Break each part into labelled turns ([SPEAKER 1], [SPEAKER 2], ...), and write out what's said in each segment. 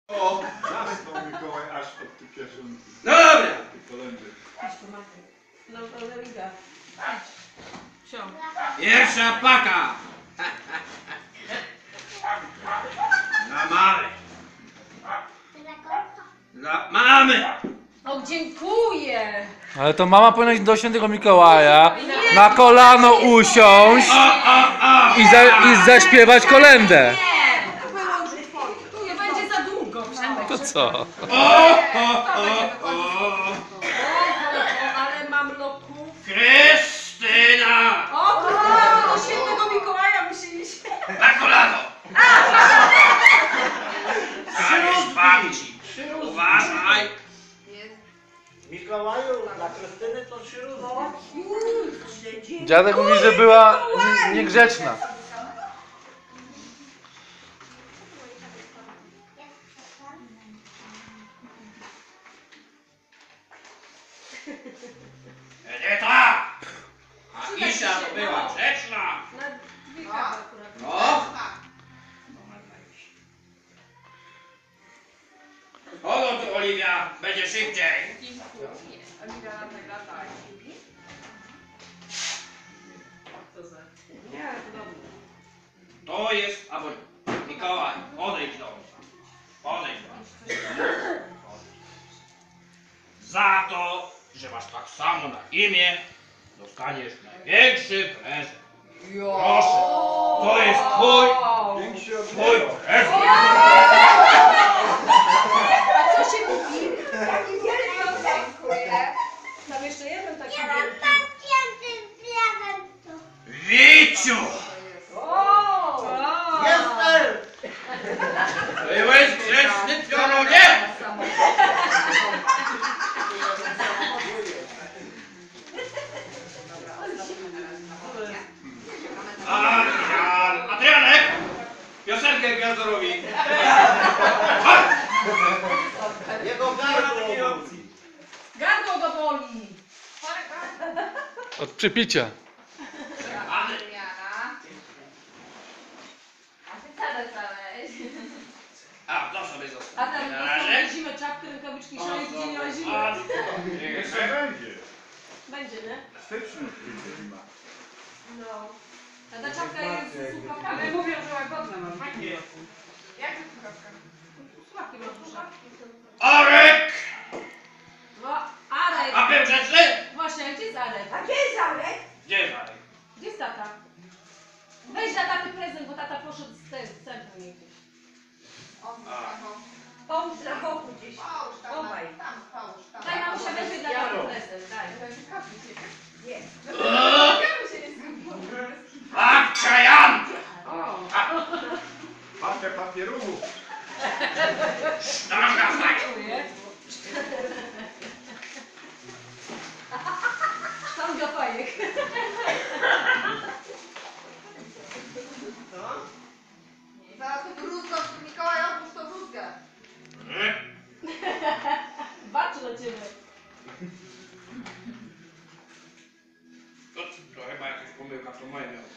[SPEAKER 1] O, zasnął Mikołaj aż pod tu kieszonki.
[SPEAKER 2] No dobra.
[SPEAKER 1] Kolendy.
[SPEAKER 3] No to Leliga. Idź.
[SPEAKER 2] Pierwsza paka. Dla mamy. Dla mamy.
[SPEAKER 3] O, dziękuję.
[SPEAKER 4] Ale to mama powinna iść do świętego Mikołaja, na kolano usiąść i zaśpiewać kolędę.
[SPEAKER 3] Nie, to było już twoje. Tu nie będzie za długo. Przemek.
[SPEAKER 4] To co?
[SPEAKER 3] Ale mam loków.
[SPEAKER 2] Krystyna.
[SPEAKER 3] O, to do świętego Mikołaja musi iść.
[SPEAKER 2] Na kolano. Dajesz babci. Uważaj.
[SPEAKER 5] Mikołaju, dla Krystyny to śruba.
[SPEAKER 4] Dziadek mówi, że była niegrzeczna.
[SPEAKER 2] Edyta. A Isza to była grzeczna.
[SPEAKER 3] Na dwie kawy akurat.
[SPEAKER 2] No. Chodź tu, Oliwia, będzie szybciej.
[SPEAKER 3] Nie, to dobrze.
[SPEAKER 2] To jest, albo Mikołaj, odejdź do mnie. Odejdź do mnie. Za to, że masz tak samo na imię, dostaniesz największy prezent. Proszę, to jest
[SPEAKER 1] Większy od
[SPEAKER 2] twój
[SPEAKER 1] niego.
[SPEAKER 2] prezent.
[SPEAKER 3] A co się kupi? Taki wielki. Dziękuję. Tam jeszcze jeden taki wielki.
[SPEAKER 2] Wiciu!
[SPEAKER 3] O!
[SPEAKER 5] Jestem!
[SPEAKER 2] Byłeś grzeczny, piorunie? Adrianek! Piosenkę Gwiazdorowi.
[SPEAKER 5] Jego gardło.
[SPEAKER 3] Gardło go boli.
[SPEAKER 4] Od przypicia.
[SPEAKER 2] A, to sobie
[SPEAKER 3] A
[SPEAKER 2] zostaw.
[SPEAKER 3] tam
[SPEAKER 2] Na razie.
[SPEAKER 3] zimę czapkę, rękawiczki, szalik, gdzie nie ma zimy.
[SPEAKER 1] Jeszcze będzie.
[SPEAKER 3] Będzie, nie?
[SPEAKER 1] W styczniu przyjdzie zima.
[SPEAKER 3] No. A ta czapka jest z słuchawkami.
[SPEAKER 6] Ale mówią, że łagodne mam. Fajnie. Jak to słuchawka?
[SPEAKER 3] Słuchawki masz duże.
[SPEAKER 2] Arek!
[SPEAKER 3] No, Arek.
[SPEAKER 2] A był grzeczny?
[SPEAKER 3] Właśnie, gdzie jest Arek?
[SPEAKER 6] A gdzie jest Arek?
[SPEAKER 2] Gdzie jest Arek?
[SPEAKER 3] Gdzie jest tata? Weź dla taty prezent, bo tata poszedł z centrum gdzieś. Połóż na boku gdzieś. Chowaj. Daj mamusia, weź dla taty prezent, daj.
[SPEAKER 2] Babcia Jan!
[SPEAKER 1] Papę papierów.
[SPEAKER 2] Sztanga fajna!
[SPEAKER 3] Dziękuję. Tam do fajek.
[SPEAKER 6] Zaraz to gruzko, Mikołaj, odpuść to gruzkę.
[SPEAKER 3] Patrz na ciebie.
[SPEAKER 2] To chyba jakaś pomyłka, to moje miało.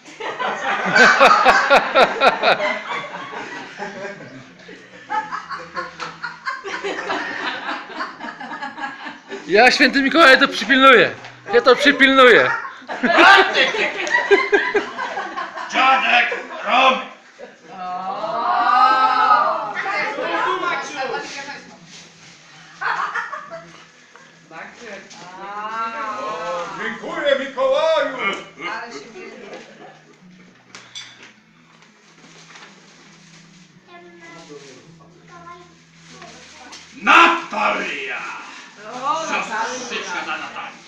[SPEAKER 4] Ja święty Mikołaj to przypilnuję. Ja to przypilnuję.
[SPEAKER 2] Dziadek Rom!
[SPEAKER 1] Dziękuję Mikołaju.
[SPEAKER 6] Ale się dzieje.
[SPEAKER 2] Natalia!
[SPEAKER 3] O,
[SPEAKER 2] Siostrzyczka dla Natalii.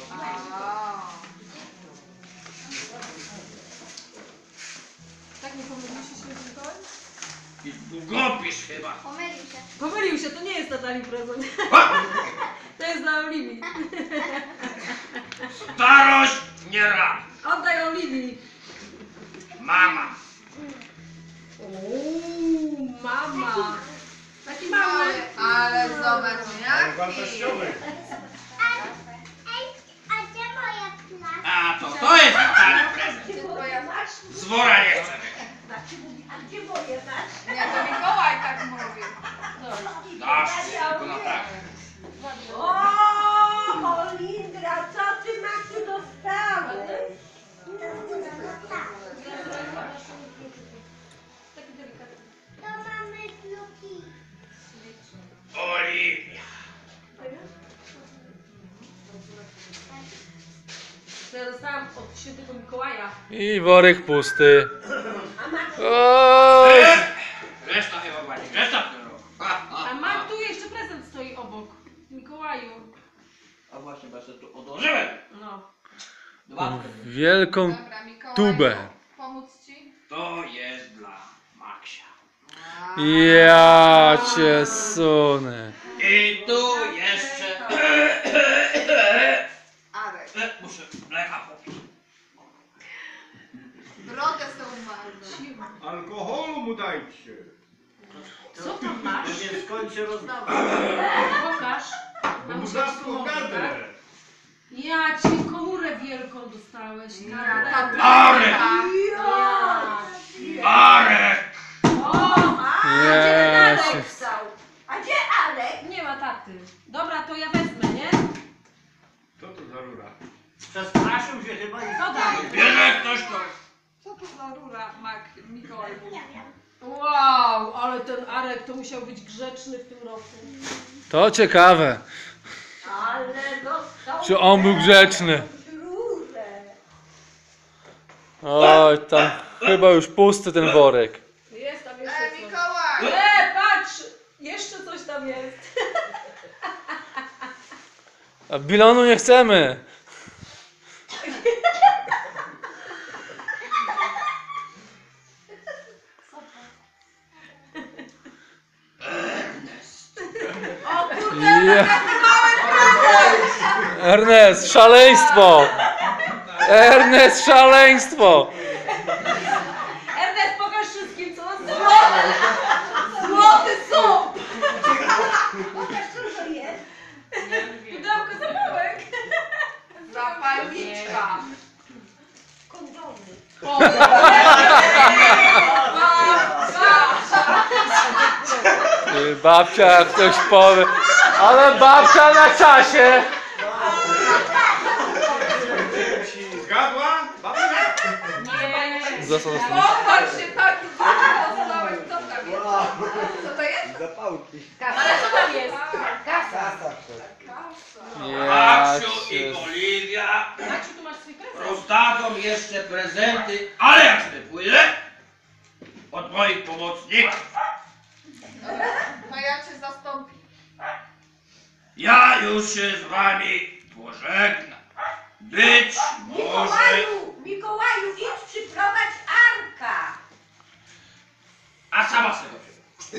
[SPEAKER 3] tak nie pomyliście się z Mikołaj?
[SPEAKER 2] I długopis chyba.
[SPEAKER 3] Pomylił się, to nie jest Natalii prezent. To jest dla Oliwii.
[SPEAKER 2] Starość nie rada.
[SPEAKER 3] Oddaj Oliwii.
[SPEAKER 2] Mama.
[SPEAKER 3] Uuu, mama. Taki mały.
[SPEAKER 6] Ale zobacz, jak
[SPEAKER 1] Wartościowy.
[SPEAKER 2] A to jest Natalii prezent.
[SPEAKER 6] twoja
[SPEAKER 2] Z wora nie chcę.
[SPEAKER 6] Nie, to Mikołaj tak mówi.
[SPEAKER 2] dasz, tylko na tak.
[SPEAKER 3] O, Olindra, co ty, Maksiu, dostałeś?
[SPEAKER 6] To mamy kluki.
[SPEAKER 2] Oliwia.
[SPEAKER 3] To ja dostałam od świętego Mikołaja.
[SPEAKER 4] I worek pusty.
[SPEAKER 3] A Maksiu,
[SPEAKER 4] Oj!
[SPEAKER 2] Reszta chyba pani, reszta w tym roku.
[SPEAKER 3] a Mak, tu jeszcze prezent stoi obok. Mikołaju.
[SPEAKER 2] A właśnie, bo ja sobie tu odłożyłem.
[SPEAKER 3] No.
[SPEAKER 2] Dwa.
[SPEAKER 4] Wielką
[SPEAKER 6] Dobra, Mikołaju,
[SPEAKER 4] tubę.
[SPEAKER 6] pomóc ci?
[SPEAKER 2] To jest dla Maksia.
[SPEAKER 4] Ja cię sunę.
[SPEAKER 2] I tu jeszcze...
[SPEAKER 6] Arek.
[SPEAKER 2] Muszę mleka popić.
[SPEAKER 6] Brodę są marną.
[SPEAKER 1] Alkoholu mu dajcie.
[SPEAKER 3] Co tam masz?
[SPEAKER 5] Nie skończy rozdawać.
[SPEAKER 3] Pokaż.
[SPEAKER 1] Bo
[SPEAKER 3] Mam
[SPEAKER 1] mu
[SPEAKER 3] się
[SPEAKER 1] zaschło
[SPEAKER 3] wspomogę,
[SPEAKER 1] gardle.
[SPEAKER 3] tak? Ja ci komórę wielką dostałeś. Tak.
[SPEAKER 2] Arek!
[SPEAKER 3] Ja.
[SPEAKER 2] Arek!
[SPEAKER 3] O, a gdzie ten
[SPEAKER 4] Jezus.
[SPEAKER 3] Alek stał? A gdzie Alek? Nie ma taty. Dobra, to ja wezmę, nie?
[SPEAKER 1] Co to za rura?
[SPEAKER 5] Przestraszył się chyba i
[SPEAKER 3] Co daj?
[SPEAKER 2] Bierze ktoś to.
[SPEAKER 6] Co to za rura, Mikołaj?
[SPEAKER 3] Wow, ale ten Arek to musiał być grzeczny w tym roku.
[SPEAKER 4] To ciekawe.
[SPEAKER 3] Ale dostał.
[SPEAKER 4] Czy on był grzeczny? Oj, tam chyba już pusty ten worek.
[SPEAKER 3] Jest tam jeszcze coś.
[SPEAKER 6] Mikołaj!
[SPEAKER 3] Patrz! Jeszcze coś tam jest.
[SPEAKER 4] A bilonu nie chcemy.
[SPEAKER 3] O kurde,
[SPEAKER 4] Ja. Ernest, szaleństwo! Ernest, szaleństwo!
[SPEAKER 3] Ernest, pokaż wszystkim, co nas złoty słup! Pokaż, co to jest. Pudełko zapałek.
[SPEAKER 6] Zapalniczka.
[SPEAKER 3] Kondony.
[SPEAKER 6] O,
[SPEAKER 4] Ty, babcia, jak ktoś powie. Ale babcia na czasie!
[SPEAKER 1] Zgadła? Babcia?
[SPEAKER 3] Nie.
[SPEAKER 4] Został
[SPEAKER 6] popatrz się, taki duży dostałeś. Co tam jest? Co to jest?
[SPEAKER 5] zapałki.
[SPEAKER 3] Ale co tam jest? Kasa.
[SPEAKER 4] Ja
[SPEAKER 2] Maksiu
[SPEAKER 4] cię...
[SPEAKER 2] i Oliwia
[SPEAKER 3] Maksiu, tu masz swój prezent.
[SPEAKER 2] rozdadzą jeszcze prezenty, ale jak sobie pójdę od moich pomocników.
[SPEAKER 6] No ja cię zastąpię.
[SPEAKER 2] Ja już się z wami pożegnam. Być może...
[SPEAKER 3] Mikołaju, idź przyprowadź Arka.
[SPEAKER 2] A sama sobie go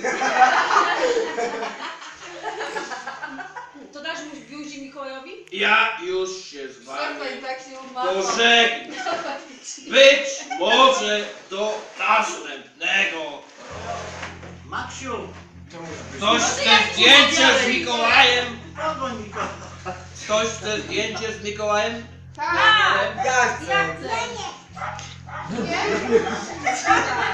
[SPEAKER 3] To dasz mu buzi Mikołajowi?
[SPEAKER 2] Ja już się z
[SPEAKER 6] Przestań
[SPEAKER 2] wami
[SPEAKER 6] tak się umawiać.
[SPEAKER 2] pożegnam. Być może do następnego.
[SPEAKER 5] Maksiu,
[SPEAKER 2] Ktoś chce zdjęcie z Mikołajem?
[SPEAKER 5] kogo Mikołaj?
[SPEAKER 2] Ktoś chce zdjęcie z Mikołajem?
[SPEAKER 6] Tak.
[SPEAKER 5] Ja chcę.
[SPEAKER 3] Ja chcę.
[SPEAKER 6] Nie?